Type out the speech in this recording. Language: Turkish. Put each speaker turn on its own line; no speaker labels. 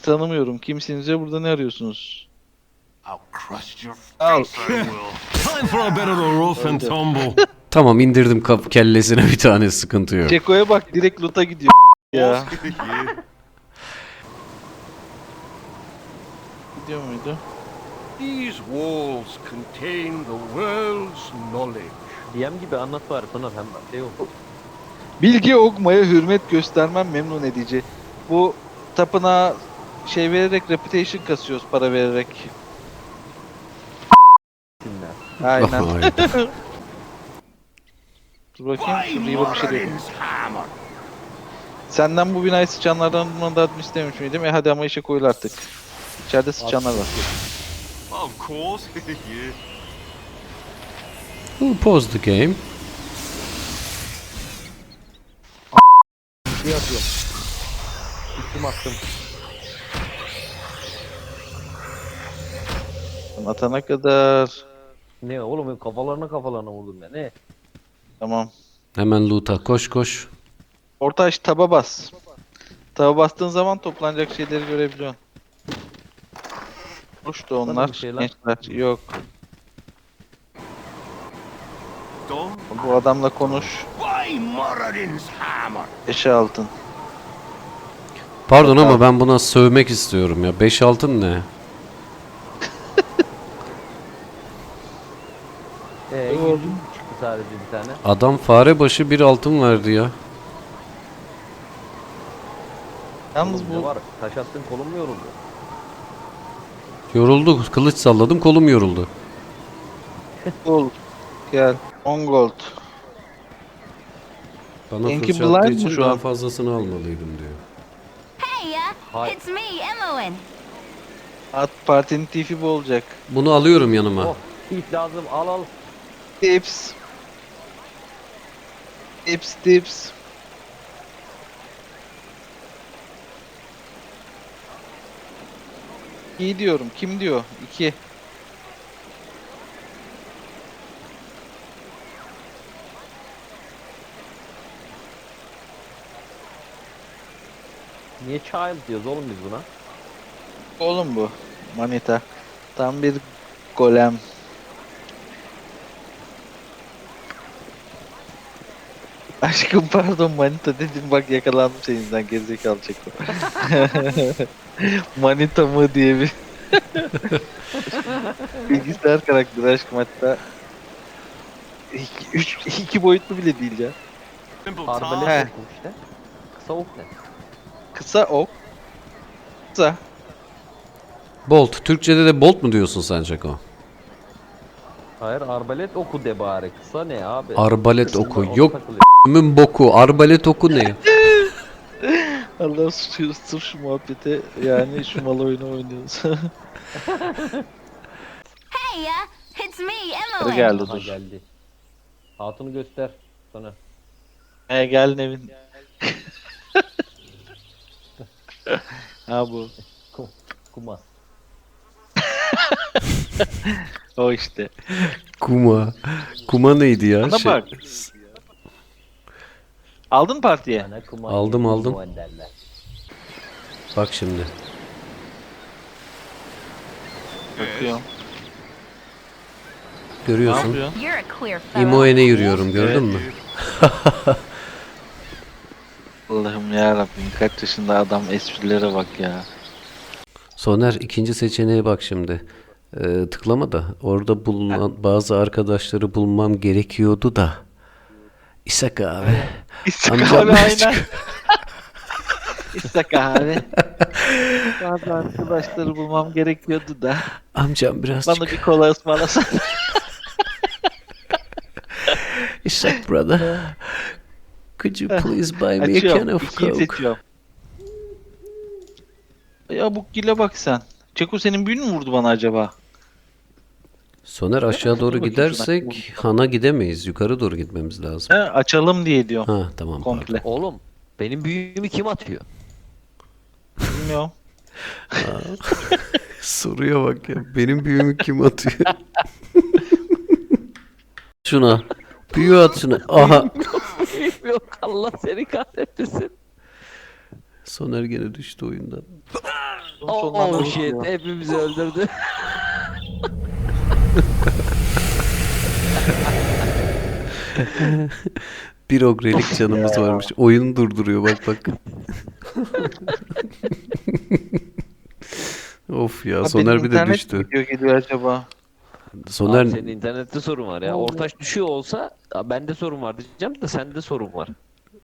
tanımıyorum. Kimsiniz ve burada ne arıyorsunuz?
I'll crush your
Al.
face, I will.
Time for a bit of the rough and tumble.
Tamam indirdim kellesine bir tane, sıkıntı yok.
Ceko'ya bak, direkt loot'a gidiyor ya. Gidiyor muydu?
These walls contain the world's knowledge.
DM gibi anlat bari sonra hem şey oldu.
Bilgi okmaya hürmet göstermem memnun edici. Bu tapınağa şey vererek reputation kasıyoruz, para vererek.
Dinler.
Aynen.
Hayda.
Dur bakayım,
Why
şurada bir şey değil.
Moradin's hammer?
Senden bu binayı sıçanlardan mandatını istemiş miydim? Hadi ama işe koyul artık. İçeride sıçanlar var.
Of course. Yeah.
We'll pause the game.
Şey yapıyorum. Üstüm attım.
Atana kadar.
Ne oğlum kafalarına vurdum ya ne?
Tamam.
Hemen loot'a koş koş.
Orta aç, taba bas. Taba bastığın zaman toplanacak şeyleri görebiliyorsun. Hoş da
Bana
onlar.
bir şey lan.
Gençler yok.
Don't.
Bu adamla konuş.
Why Moradin's hammer?
Eşe altın.
Pardon ama ben buna sövmek istiyorum ya. 5 altın ne?
Doğru.
Çıktı sadece bir tane.
Adam fare başı 1 altın verdi ya.
Yalnız
Oğlum ne
bu
var? Taş attın kolum mu yoruldu?
Yoruldu. Kılıç salladım, kolum yoruldu.
gold. Gel. 10 gold.
Bana
Enki
fırça attığı
blind mı
için
şu
daha
an?
fazlasını almalıydım diyor.
Hey,
Hi.
it's me, Imoen.
At partinin tifi bu olacak.
Bunu alıyorum yanıma.
Oh, ip lazım al.
Tips. Tips tips. İyi diyorum. Kim diyor? 2.
Niye child diyoruz oğlum biz buna?
Oğlum bu. Manita. Tam bir golem. Aşkım pardon manita dedim, bak yakalandım senin yüzünden, gerizekalı Çeko. Manita mı diye bir bilgisayar karakteri aşkım, hatta iki boyutlu bile değil ya.
Simple
Arbalet
He.
okum işte. Kısa ok ne?
Kısa ok. Kısa.
Bolt. Türkçede de bolt mu diyorsun sen Çako?
Hayır arbalet oku de bari. Kısa ne abi?
Arbalet
Kısa
oku.
ona
Yok
takılıyor.
***'ümün boku. Arbalet oku ne?
Allah sırf şu muhabbete, yani şu mal oyunu oynuyoruz.
Hey, it's me,
Hadi
Imoen.
geldi
Aha
dur.
geldi. Hatunu göster. Sonra.
Gel Nevin. Ha bu.
Kuma.
O işte.
Kuma. Kuma neydi ya?
Bana bak. Aldın partiye.
Yani kuma.
Aldım,
diye
aldım.
kuma derler.
Bak şimdi.
Bakıyorum. Ne
Görüyorsun.
yapıyorsun?
You're a queer fellow.
İmoen'e yürüyorum, gördün mü?
Allah'ım ya Rabbim, kaç yaşında adam, esprilere bak ya.
Soner, ikinci seçeneğe bak şimdi. Tıklama da orada bulunan bazı arkadaşları bulmam gerekiyordu da. İshak abi.
İstek
Amcam
abi
birazcık-
aynen. İstek abi. Bazı arkadaşları bulmam gerekiyordu da.
Amcam birazcık.
Bana bir kola ısmarlasana.
İshak brother. Could you please buy me a can
Açıyorum.
of
İkiyi
coke?
seçiyorum. Ya bu gile bak sen. Çeko senin büyün mü vurdu bana acaba?
Soner, aşağı doğru
bakayım
gidersek Han'a gidemeyiz. Yukarı doğru gitmemiz lazım.
He, açalım diye diyorum.
Ha tamam, pardon.
Komple.
Oğlum benim büyüğümü kim atıyor?
Bilmiyorum.
Soruya bak ya. Benim büyüğümü kim atıyor? Şuna. Büyüğü at şuna. Aha.
Yok Allah seni kahretmesin.
Soner gene düştü oyundan.
Sonundan
Oh
da
shit,
bakıyor.
hepimizi öldürdü.
Bir ogrelik canımız varmış. Oyunu durduruyor bak bak. Of ya,
Ha,
Soner
benim
bir de
internet
düştü.
video geliyor acaba?
Soner
Abi senin internette sorun var ya. Ortaç düşüyor olsa bende sorun var diyeceğim de sende sorun var.